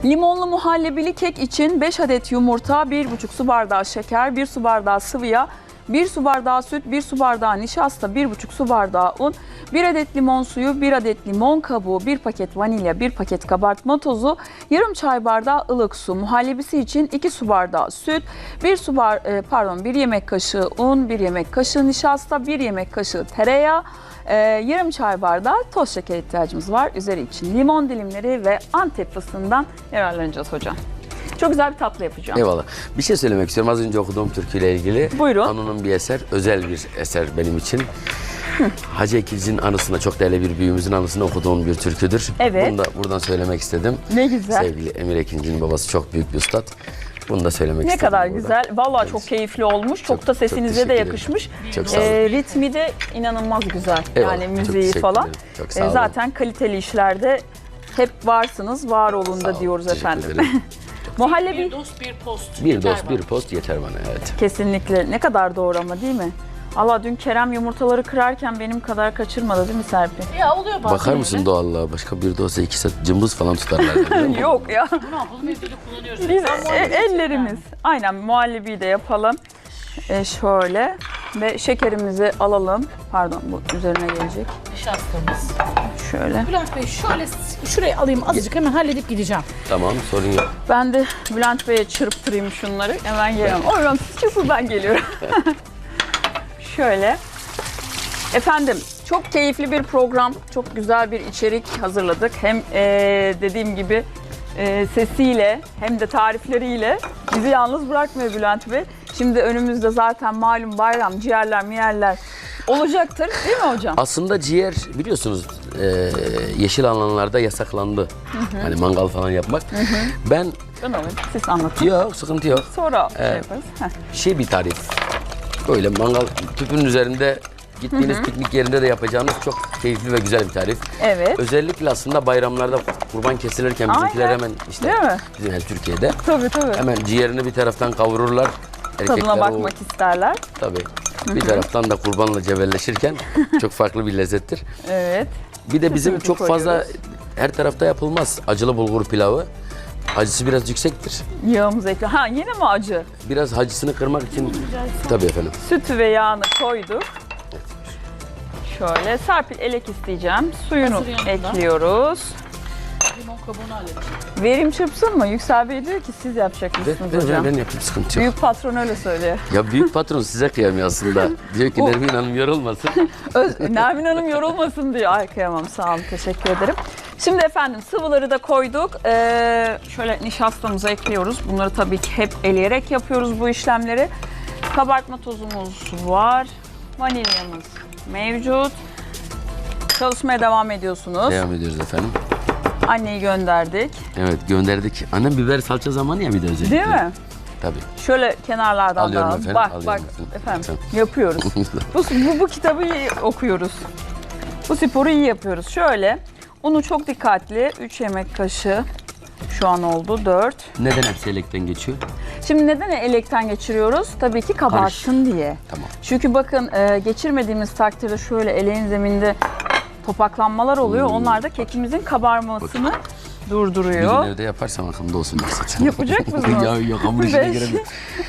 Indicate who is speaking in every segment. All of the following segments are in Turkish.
Speaker 1: Limonlu muhallebili kek için 5 adet yumurta, 1,5 su bardağı şeker, 1 su bardağı sıvı yağ, 1 su bardağı süt, 1 su bardağı nişasta, 1,5 su bardağı un, 1 adet limon suyu, 1 adet limon kabuğu, 1 paket vanilya, 1 paket kabartma tozu, yarım çay bardağı ılık su. Muhallebisi için 2 su bardağı süt, 1 yemek kaşığı un, 1 yemek kaşığı nişasta, 1 yemek kaşığı tereyağı, yarım çay bardağı toz şeker ihtiyacımız var. Üzeri için limon dilimleri ve Antep fıstığından yararlanacağız hocam. Çok güzel bir tatlı yapacağım.
Speaker 2: Eyvallah. Bir şey söylemek istiyorum. Az önce okuduğum türküyle ilgili.
Speaker 1: Buyurun.
Speaker 2: Anunun bir eser, özel bir eser benim için. Hacı Ekilci'nin anısına, çok değerli bir büyüğümüzün anısına okuduğum bir türküdür.
Speaker 1: Evet.
Speaker 2: Bunu da buradan söylemek istedim.
Speaker 1: Ne güzel.
Speaker 2: Sevgili Emir Ekinci'nin babası çok büyük bir üstad. Bunu da söylemek
Speaker 1: Ne
Speaker 2: istedim.
Speaker 1: kadar
Speaker 2: burada.
Speaker 1: güzel. Vallahi çok keyifli olmuş. Çok da sesinize de
Speaker 2: teşekkür ederim.
Speaker 1: yakışmış.
Speaker 2: Çok sağ olun.
Speaker 1: Ritmi de inanılmaz güzel.
Speaker 2: Eyvallah,
Speaker 1: Yani
Speaker 2: çok
Speaker 1: müziği
Speaker 2: teşekkür
Speaker 1: falan.
Speaker 2: ederim. Çok sağ olun.
Speaker 1: Zaten kaliteli işlerde hep varsınız, var olun
Speaker 2: Sağ
Speaker 1: da
Speaker 2: olun,
Speaker 1: diyoruz
Speaker 2: teşekkür
Speaker 1: efendim.
Speaker 2: ederim.
Speaker 1: Muhallebi
Speaker 3: Bir dost bir post.
Speaker 2: Bir
Speaker 3: Yeter
Speaker 2: dost,
Speaker 3: bana.
Speaker 2: bir post yeter bana, evet.
Speaker 1: kesinlikle ne kadar doğru ama değil mi? Allah dün Kerem yumurtaları kırarken benim kadar kaçırmadı değil mi Serpil?
Speaker 3: Ya oluyor bazen
Speaker 2: Bakar mısın
Speaker 3: öyle.
Speaker 2: doğallığa? Başka bir dosta 2 saat cımbız falan tutarlar. biliyor musun?
Speaker 1: Yok ya.
Speaker 3: Ne yapalım evde de kullanıyoruz.
Speaker 1: Biz
Speaker 3: Ben muhallebi
Speaker 1: ellerimiz.
Speaker 3: yani.
Speaker 1: Aynen muhallebiyi de yapalım. Şöyle ve şekerimizi alalım. Pardon bu üzerine gelecek.
Speaker 3: Nişastamız.
Speaker 1: Şöyle.
Speaker 3: Bülent Bey şöyle şuraya alayım azıcık hemen halledip gideceğim.
Speaker 2: Tamam, sorun yok.
Speaker 1: Ben de Bülent Bey'e çırptırayım şunları. Hemen geliyorum. Oradan siz çıksın ben geliyorum. Şöyle. Efendim çok keyifli bir program. Çok güzel bir içerik hazırladık. Hem dediğim gibi sesiyle hem de tarifleriyle bizi yalnız bırakmıyor Bülent Bey. Şimdi önümüzde zaten malum bayram, ciğerler, miyerler olacaktır değil mi hocam?
Speaker 2: Aslında ciğer biliyorsunuz yeşil alanlarda yasaklandı. Hani mangal falan yapmak. Ben
Speaker 1: Ben alayım. Siz anlatın.
Speaker 2: yok, sıkıntı yok.
Speaker 1: Sonra şey yaparız. Heh.
Speaker 2: Bir tarif. Böyle mangal tüpünün üzerinde gittiğiniz piknik yerinde de yapacağınız çok keyifli ve güzel bir tarif.
Speaker 1: Evet.
Speaker 2: Özellikle aslında bayramlarda kurban kesilirken bizimkiler
Speaker 1: Aynen.
Speaker 2: hemen işte
Speaker 1: Değil mi?
Speaker 2: bizim Türkiye'de
Speaker 1: Tabii tabii.
Speaker 2: hemen ciğerini bir taraftan kavururlar.
Speaker 1: Tadına
Speaker 2: Erkekler
Speaker 1: bakmak isterler.
Speaker 2: tabii. Bir taraftan da kurbanla cebelleşirken çok farklı bir lezzettir.
Speaker 1: Evet.
Speaker 2: Bir de bizim
Speaker 1: Sütümüzü
Speaker 2: çok fazla
Speaker 1: koyuyoruz.
Speaker 2: her tarafta yapılmaz. Acılı bulgur pilavı. Acısı biraz yüksektir.
Speaker 1: Yağımızı ekle. Ha yine mi acı?
Speaker 2: Biraz acısını kırmak için tabii efendim.
Speaker 1: Sütü ve yağını koyduk. Şöyle Serpil elek isteyeceğim. Suyunu
Speaker 3: Hazır yanında.
Speaker 1: ekliyoruz.
Speaker 3: Limon kabuğunu halledeceğim.
Speaker 1: Verim çırpsın mı? Yüksel Bey diyor ki siz yapacakmışsınız hocam.
Speaker 2: Ben yapayım, sıkıntı yok.
Speaker 1: Büyük patron öyle söylüyor.
Speaker 2: Ya büyük patron size kıyamıyor aslında. Diyor ki
Speaker 1: Bu-
Speaker 2: Nermin Hanım yorulmasın.
Speaker 1: Nermin Hanım yorulmasın diyor. Ay kıyamam sağ olun teşekkür ederim. Şimdi efendim sıvıları da koyduk. Şöyle nişastamızı ekliyoruz. Bunları tabii ki hep eleyerek yapıyoruz bu işlemleri. Kabartma tozumuz var. Vanilyamız mevcut. Çalışmaya devam ediyorsunuz.
Speaker 2: Devam ediyoruz efendim.
Speaker 1: Anneyi gönderdik.
Speaker 2: Evet gönderdik. Annem biber salça zamanı ya bir de özellikle.
Speaker 1: Değil mi?
Speaker 2: Tabii.
Speaker 1: Şöyle kenarlardan
Speaker 2: Alıyorum
Speaker 1: da
Speaker 2: efendim,
Speaker 1: bak
Speaker 2: alıyorum
Speaker 1: bak
Speaker 2: efendim.
Speaker 1: efendim yapıyoruz. Bu kitabı iyi okuyoruz. Bu sporu iyi yapıyoruz. Şöyle unu çok dikkatli 3 yemek kaşığı şu an oldu 4.
Speaker 2: Neden hepsi elekten geçiyor?
Speaker 1: Şimdi neden elekten geçiriyoruz? Tabii ki kabarsın diye.
Speaker 2: Tamam.
Speaker 1: Çünkü bakın geçirmediğimiz takdirde şöyle eleğin zeminde topaklanmalar oluyor. Onlar da kekimizin kabarmasını
Speaker 2: Bir
Speaker 1: durduruyor.
Speaker 2: gün evde yaparsam aklımda olsun maksat.
Speaker 1: Yapacak mısınız?
Speaker 2: Ya yok hamur işine
Speaker 1: 5,
Speaker 2: giremiyorum.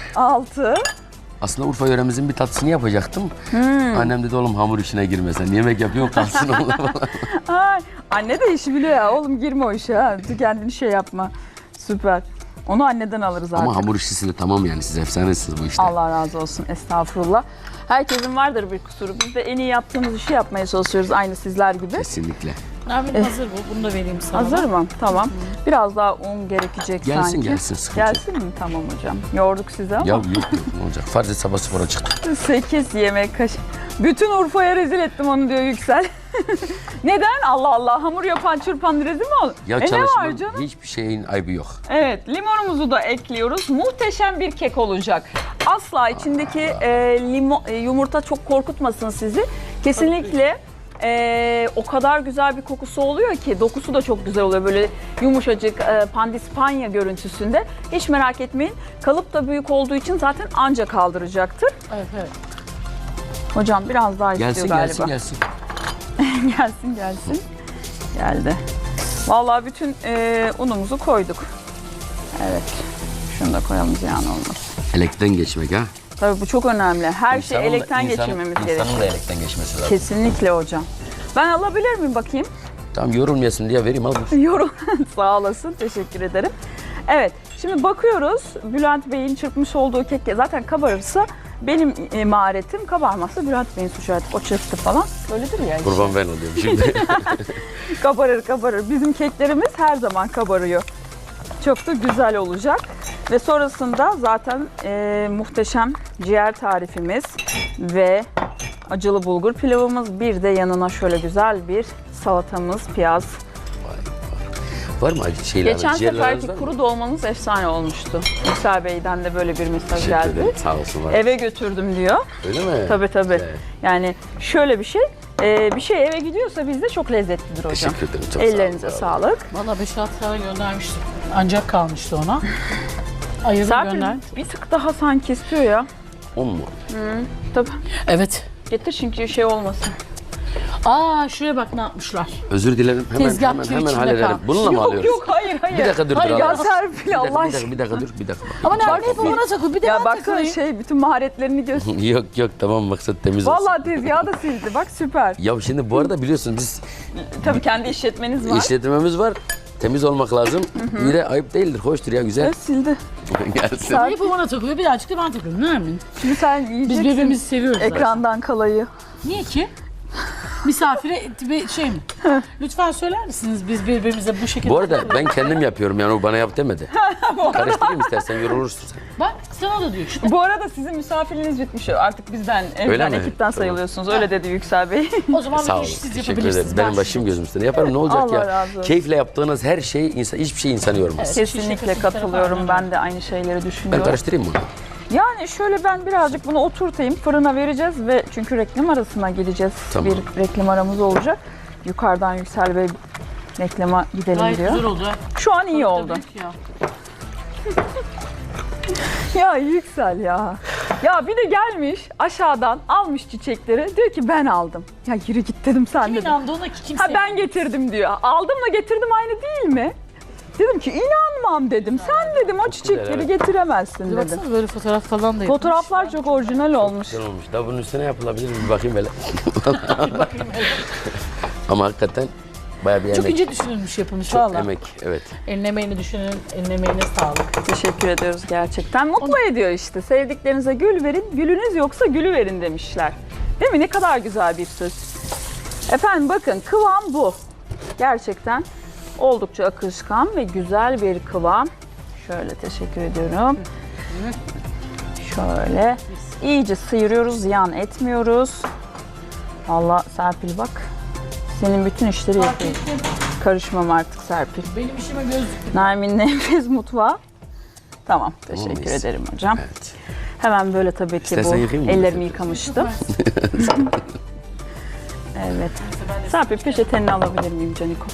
Speaker 1: 6.
Speaker 2: Aslında Urfa yöremizin bir tatlısını yapacaktım. Annem dedi oğlum hamur işine girmesen. Yemek yapıyorsun kalsın oğlum falan.
Speaker 1: Ay, anne de işi biliyor ya. Oğlum girme o işe ha. Kendini şey yapma. Süper. Onu anneden alırız artık.
Speaker 2: Ama hamur işçisi de tamam yani siz efsanesiniz bu işte.
Speaker 1: Allah razı olsun. Estağfurullah. Herkesin vardır bir kusuru. Biz de en iyi yaptığımız işi yapmaya çalışıyoruz. Aynı sizler gibi.
Speaker 2: Kesinlikle.
Speaker 3: Nermin hazır bu. Bunu da vereyim sana.
Speaker 1: Hazır mı? Tamam. Biraz daha un gerekecek
Speaker 2: Gelsin,
Speaker 1: sanki.
Speaker 2: gelsin, sıkıntı yok.
Speaker 1: Gelsin mi? Tamam hocam. Yorduk sizi ama.
Speaker 2: Ya yok ne olacak? Farz et sabah spora çıktım.
Speaker 1: 8 yemek kaşığı. Bütün Urfa'ya rezil ettim onu diyor Yüksel. Neden? Allah Allah. Hamur yapan çırpan rezil mi olur?
Speaker 2: Ya
Speaker 1: ne var
Speaker 2: çalışmanın
Speaker 1: canım?
Speaker 2: hiçbir şeyin ayıbı yok.
Speaker 1: Evet, limonumuzu da ekliyoruz. Muhteşem bir kek olacak. Asla içindeki yumurta çok korkutmasın sizi. Kesinlikle o kadar güzel bir kokusu oluyor ki dokusu da çok güzel oluyor. Böyle yumuşacık pandispanya görüntüsünde. Hiç merak etmeyin. Kalıp da büyük olduğu için zaten anca kaldıracaktır.
Speaker 3: Evet evet.
Speaker 1: Hocam biraz daha
Speaker 2: Gelsin
Speaker 1: istiyor galiba.
Speaker 2: gelsin.
Speaker 1: Gelsin. Geldi. Vallahi bütün unumuzu koyduk. Evet. Şunu da koyalım ziyan olmasın.
Speaker 2: Elekten geçmek ha.
Speaker 1: Tabii bu çok önemli. Her şeyi
Speaker 2: İnsanın da-
Speaker 1: elekten geçirmemiz gerekiyor.
Speaker 2: İnsanın da elekten geçmesi lazım.
Speaker 1: Kesinlikle hocam. Ben alabilir miyim bakayım?
Speaker 2: Tamam yorulmayasın diye vereyim al.
Speaker 1: Yorum. Sağ olasın. Teşekkür ederim. Evet. Şimdi bakıyoruz. Bülent Bey'in çırpmış olduğu kek zaten kabarırsa benim maharetim, kabarmazsa Bülent Bey'in suçu artık. O çırptı falan. Öyledir ya. işte.
Speaker 2: Kurban ben oluyorum şimdi.
Speaker 1: Kabarır. Bizim keklerimiz her zaman kabarıyor. Çok da güzel olacak. Ve sonrasında zaten muhteşem ciğer tarifimiz ve acılı bulgur pilavımız. Bir de yanına şöyle güzel bir salatamız, piyaz.
Speaker 2: Var mı acı şeyler?
Speaker 1: Geçen
Speaker 2: ciğerleriniz
Speaker 1: seferki
Speaker 2: var mı?
Speaker 1: kuru dolmanız efsane olmuştu. Yüksel Bey'den de böyle bir mesaj
Speaker 2: Teşekkür
Speaker 1: geldi.
Speaker 2: ederim. Sağ olsun. Var.
Speaker 1: Eve götürdüm diyor.
Speaker 2: Öyle mi?
Speaker 1: Tabii.
Speaker 2: Güzel.
Speaker 1: Yani şöyle bir şey. Bir şey eve gidiyorsa bizde çok lezzetlidir hocam.
Speaker 2: Teşekkür ederim. Çok sağ olun,
Speaker 1: Ellerinize
Speaker 2: sağ olun.
Speaker 1: sağlık.
Speaker 3: Valla 5-6 tane göndermiştim. Ancak kalmıştı ona. Ayırdım
Speaker 1: Serpil
Speaker 3: gönder.
Speaker 1: bir tık daha sanki istiyor ya.
Speaker 2: 10 mu?
Speaker 1: Tabii.
Speaker 3: Evet.
Speaker 1: Getir çünkü şey olmasın.
Speaker 3: Aa şuraya bak ne yapmışlar.
Speaker 2: Özür dilerim. Hemen
Speaker 3: Tezgah
Speaker 2: hemen,
Speaker 3: tüy
Speaker 2: hemen
Speaker 3: içinde
Speaker 2: hallederim.
Speaker 3: kalmış.
Speaker 2: Bununla mı alıyoruz?
Speaker 1: Yok hayır.
Speaker 2: Bir dakika dur.
Speaker 3: Hayır,
Speaker 2: dur,
Speaker 3: ya
Speaker 2: al.
Speaker 1: Serpil
Speaker 2: Bir
Speaker 1: Allah
Speaker 2: dakika,
Speaker 1: aşkına.
Speaker 2: bir dakika dur. Bir dakika.
Speaker 3: Ama nerede hep ona takıl bir de
Speaker 1: Ya
Speaker 3: ben
Speaker 1: baksana
Speaker 3: takılayım.
Speaker 1: bütün maharetlerini göster.
Speaker 2: Yok tamam maksat temiz olsun.
Speaker 1: Vallahi tezgahı da sildi. Bak süper.
Speaker 2: Ya şimdi bu arada biliyorsun biz
Speaker 1: Tabii kendi işletmeniz var.
Speaker 2: işletmemiz var. Temiz olmak lazım. Bir de ayıp değildir. Hoştur ya güzel.
Speaker 1: Evet sildi.
Speaker 2: Gelsin.
Speaker 3: Hep o bana takılıyor birazcık da ben takıyorum. Ne yapayım?
Speaker 1: Şimdi sen
Speaker 3: Biz
Speaker 1: yiyeceksin
Speaker 3: birbirimizi seviyoruz zaten.
Speaker 1: ekrandan kalayı.
Speaker 3: Niye ki? Misafire bir şey mi? Lütfen söyler misiniz biz birbirimize bu şekilde...
Speaker 2: Bu arada ben kendim yapıyorum yani o bana yap demedi. Karıştırayım istersen yorulursun sen.
Speaker 3: Bak sana da diyor işte.
Speaker 1: Bu arada sizin misafiriniz bitmiş. Artık bizden,
Speaker 2: Öyle
Speaker 1: evden,
Speaker 2: mi?
Speaker 1: ekipten
Speaker 2: Tamam.
Speaker 1: sayılıyorsunuz. Öyle dedi Yüksel Bey.
Speaker 3: O zaman
Speaker 2: Sağ
Speaker 3: bir
Speaker 2: olun.
Speaker 3: iş siz
Speaker 2: Teşekkür
Speaker 3: yapabilirsiniz.
Speaker 2: ederim. Benim başım gözüm üstüne. Yaparım ne olacak
Speaker 1: Allah
Speaker 2: ya?
Speaker 1: razı olsun.
Speaker 2: Keyifle yaptığınız her şey hiçbir şey insanı yormaz.
Speaker 3: Evet.
Speaker 1: Kesinlikle katılıyorum. Ben de aynı şeyleri
Speaker 2: Ben
Speaker 1: düşünüyorum.
Speaker 2: karıştırayım bunu.
Speaker 1: Yani şöyle ben birazcık bunu oturtayım. Fırına vereceğiz ve çünkü reklam arasına gideceğiz.
Speaker 2: Tamam.
Speaker 1: Bir reklam aramız olacak. Yukarıdan Yüksel Bey reklama gidelim
Speaker 3: Gayet
Speaker 1: diyor.
Speaker 3: güzel oldu.
Speaker 1: Şu an iyi oldu.
Speaker 3: Tabii ki ya.
Speaker 1: Ya Yüksel ya. Ya bir de gelmiş aşağıdan almış çiçekleri. Diyor ki ben aldım. Ya yürü git dedim sen
Speaker 3: Kim
Speaker 1: dedim.
Speaker 3: inandı ona ki kimse...
Speaker 1: Ha ben getirdim diyor. Aldımla getirdim aynı değil mi? Dedim ki inanmam dedim. Sen dedim o çiçekleri
Speaker 2: evet.
Speaker 1: getiremezsin
Speaker 3: Bir
Speaker 1: dedim.
Speaker 3: baksana böyle fotoğraf falan da yapmış.
Speaker 1: Fotoğraflar çok orijinal olmuş.
Speaker 2: Güzel olmuş. Daha bunun üstüne yapılabilir mi? Bir bakayım böyle. Ama hakikaten bayağı bir
Speaker 3: Çok
Speaker 2: emek.
Speaker 3: ince düşünülmüş yapılmış
Speaker 2: Çok
Speaker 3: valla.
Speaker 2: emek. Evet.
Speaker 3: Eline emeğini düşünün, eline emeğine sağlık.
Speaker 1: Teşekkür ediyoruz gerçekten. Mutlu ediyor işte. Sevdiklerinize gül verin, gülünüz yoksa gülü verin demişler. Değil mi? Ne kadar güzel bir söz. Efendim bakın kıvam bu. Gerçekten oldukça akışkan ve güzel bir kıvam. Şöyle teşekkür ediyorum. Şöyle iyice sıyırıyoruz, ziyan etmiyoruz. Vallahi Serpil bak. Senin bütün işleri
Speaker 3: Fark
Speaker 1: yapıyor.
Speaker 3: ettim.
Speaker 1: Karışmam artık Serpil.
Speaker 3: Benim işime göz dikti.
Speaker 1: Nermin'in enfes mutfağı. Tamam, teşekkür
Speaker 2: mıyız?
Speaker 1: ederim hocam.
Speaker 2: Evet.
Speaker 1: Hemen böyle tabii ki
Speaker 2: İstersen
Speaker 1: bu
Speaker 2: yıkayayım mı?
Speaker 1: ellerimi yıkamıştım. Evet. Serpil peçeteni alabilir miyim Caniko?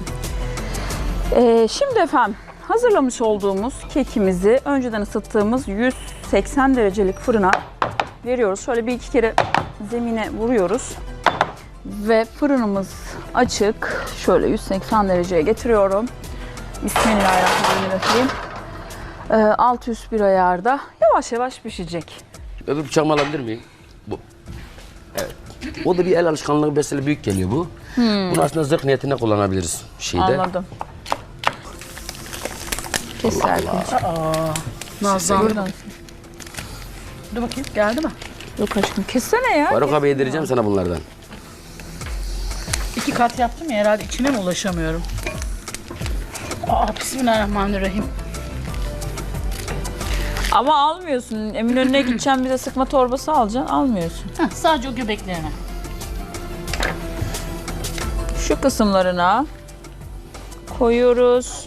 Speaker 1: Şimdi efendim hazırlamış olduğumuz kekimizi önceden ısıttığımız 180 derecelik fırına veriyoruz. Şöyle bir iki kere zemine vuruyoruz. Ve fırınımız açık. Şöyle 180 dereceye getiriyorum. Bismillahirrahmanirrahim. Alt üst bir ayarda yavaş yavaş pişecek.
Speaker 2: Öbür bıçağımı alabilir miyim? Bu. Evet. O da bir el alışkanlığı besele büyük geliyor bu. Bunu aslında zırh niyetine kullanabiliriz şeyde.
Speaker 1: Anladım. Kes Serpil.
Speaker 3: Nazan.
Speaker 1: Buradan.
Speaker 3: Dur bakayım geldi mi?
Speaker 1: Yok aşkım kessene ya.
Speaker 2: Faruk abi yedireceğim sana bunlardan.
Speaker 3: 2 kat yaptım ya herhalde içine mi ulaşamıyorum? Bismillahirrahmanirrahim.
Speaker 1: Ama almıyorsun. Eminönü'ne gideceğim bize sıkma torbası alacaksın. Almıyorsun.
Speaker 3: Sadece o göbeklerine.
Speaker 1: Şu kısımlarına koyuyoruz.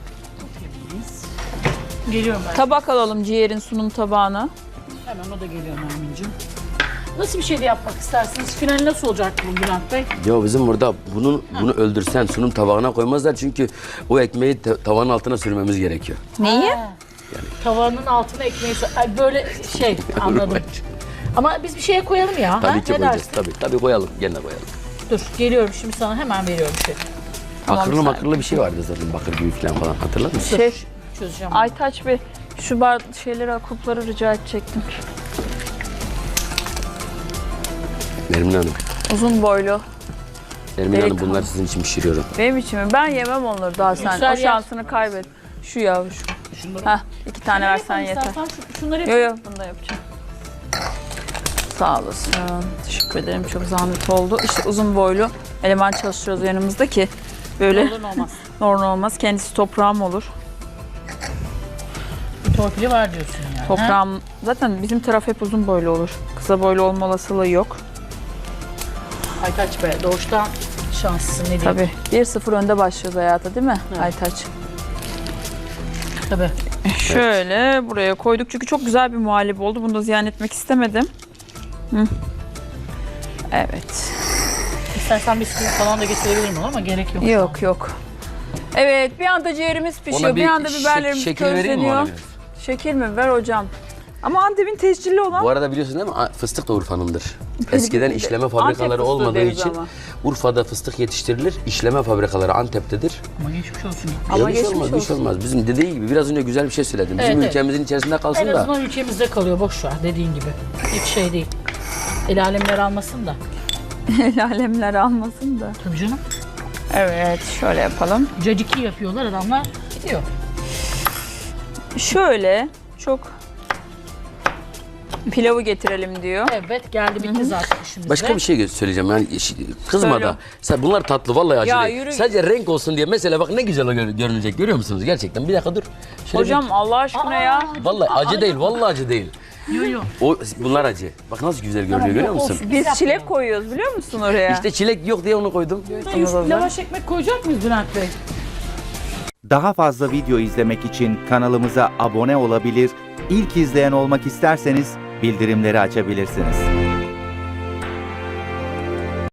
Speaker 3: Geliyorum ben.
Speaker 1: Tabak alalım ciğerin sunum tabağına.
Speaker 3: Hemen o da geliyor Nermin'ciğim. Nasıl bir şey de yapmak istersiniz? Final nasıl olacak bu Bülent Bey?
Speaker 2: Ya bizim burada bunu öldürsen sunum tabağına koymazlar çünkü o ekmeği tavanın altına sürmemiz gerekiyor.
Speaker 1: Neyi?
Speaker 3: Tavanın altına ekmeği... Ay, böyle şey anladım. Ama biz bir şeye koyalım ya.
Speaker 2: Tabii
Speaker 3: ha?
Speaker 2: ki
Speaker 3: Ne
Speaker 2: koyacağız.
Speaker 3: dersin?
Speaker 2: Tabii koyalım. Gene koyalım.
Speaker 3: Dur geliyorum şimdi sana hemen veriyorum şey.
Speaker 1: Tamam,
Speaker 2: Bakırlı
Speaker 1: sen-
Speaker 2: makırlı bir şey vardı zaten. Bakır büyük falan Hatırlar mısın?
Speaker 1: Şef.
Speaker 3: çözeceğim.
Speaker 1: Aytaç Bey şu şeyleri, kupları rica edecektim.
Speaker 2: Nermin Hanım.
Speaker 1: Uzun boylu.
Speaker 2: Nermin Hanım
Speaker 1: Delikanlı.
Speaker 2: bunlar sizin için pişiriyorum.
Speaker 1: Benim için mi? Ben yemem onları daha sen.
Speaker 3: Yüksel
Speaker 1: O şansını kaybet. Şu ya şu. Heh, 2 tane versen yeter.
Speaker 3: Şunları
Speaker 1: Yo yo bunu da yapacağım. Sağ olasın. Teşekkür ederim. Çok zahmet oldu. İşte uzun boylu eleman çalıştırıyoruz yanımızda ki böyle
Speaker 3: olur olmaz.
Speaker 1: normal olmaz. Kendisi toprağım olur.
Speaker 3: Bir torpili var diyorsun yani.
Speaker 1: Toprağım zaten bizim taraf hep uzun boylu olur. Kısa boylu olma olasılığı yok.
Speaker 3: Aytaç Bey doğuştan şanslısın ne diyeyim.
Speaker 1: Tabii. 1-0 önde başlıyoruz hayata değil mi
Speaker 3: Evet.
Speaker 1: Aytaç?
Speaker 3: Tabii.
Speaker 1: Şöyle buraya koyduk çünkü çok güzel bir muhallebi oldu. Bunu da ziyan etmek istemedim. Hı. Evet.
Speaker 3: İstersen bisküvi falan da getirebilirim ama gerek yok.
Speaker 1: Yok yok. Evet bir anda ciğerimiz pişiyor. Bir anda biberlerimiz
Speaker 2: şekil vereyim mi
Speaker 1: közleniyor.
Speaker 2: ona?
Speaker 1: Şekil mi? Ver hocam. Ama Antep'in tescilli olan
Speaker 2: Bu arada biliyorsun değil mi? Fıstık da Urfa'nındır. Eskiden işleme fabrikaları
Speaker 1: fıstığı
Speaker 2: olmadığı
Speaker 1: deriz
Speaker 2: için
Speaker 1: ama.
Speaker 2: Urfa'da fıstık yetiştirilir. İşleme fabrikaları Antep'tedir.
Speaker 3: Ama geçmiş olsun.
Speaker 1: Ama
Speaker 2: Ya bir şey
Speaker 1: geçmiş
Speaker 2: olmaz, bir şey
Speaker 1: olsun.
Speaker 2: olmaz. Bizim dediği gibi biraz önce güzel bir şey söyledim. Bizim
Speaker 3: Evet,
Speaker 2: ülkemizin içerisinde kalsın
Speaker 3: En
Speaker 2: da.
Speaker 3: azından ülkemizde kalıyor boş ver dediğin gibi. Hiç şey değil. El alemler almasın da.
Speaker 1: El alemler almasın da.
Speaker 3: Tabii canım.
Speaker 1: Evet şöyle yapalım.
Speaker 3: Caciki yapıyorlar adamlar. Gidiyor.
Speaker 1: Şöyle çok pilavı getirelim diyor.
Speaker 3: Evet geldi bitti zaten işimizde.
Speaker 2: Başka bir şey söyleyeceğim yani kızma
Speaker 1: Söyle.
Speaker 2: da. Sen bunlar tatlı vallahi acı
Speaker 1: Ya
Speaker 2: değil.
Speaker 1: yürü.
Speaker 2: Sadece renk olsun diye mesela bak ne güzel görünecek görüyor musunuz gerçekten? Bir dakika dur. Şöyle
Speaker 1: Hocam Allah aşkına ya.
Speaker 2: vallahi acı değil vallahi acı değil.
Speaker 3: Yo yo.
Speaker 2: Bunlar acı. Bak nasıl güzel görünüyor
Speaker 3: Tamam,
Speaker 2: görüyor
Speaker 3: yok,
Speaker 2: musun?
Speaker 3: olsun.
Speaker 1: Biz çilek koyuyoruz biliyor musun oraya?
Speaker 2: İşte çilek yok diye onu koydum.
Speaker 3: Lavaş ekmek koyacak mıyız Bülent Bey?
Speaker 4: Daha fazla video izlemek için kanalımıza abone olabilir, ilk izleyen olmak isterseniz bildirimleri açabilirsiniz.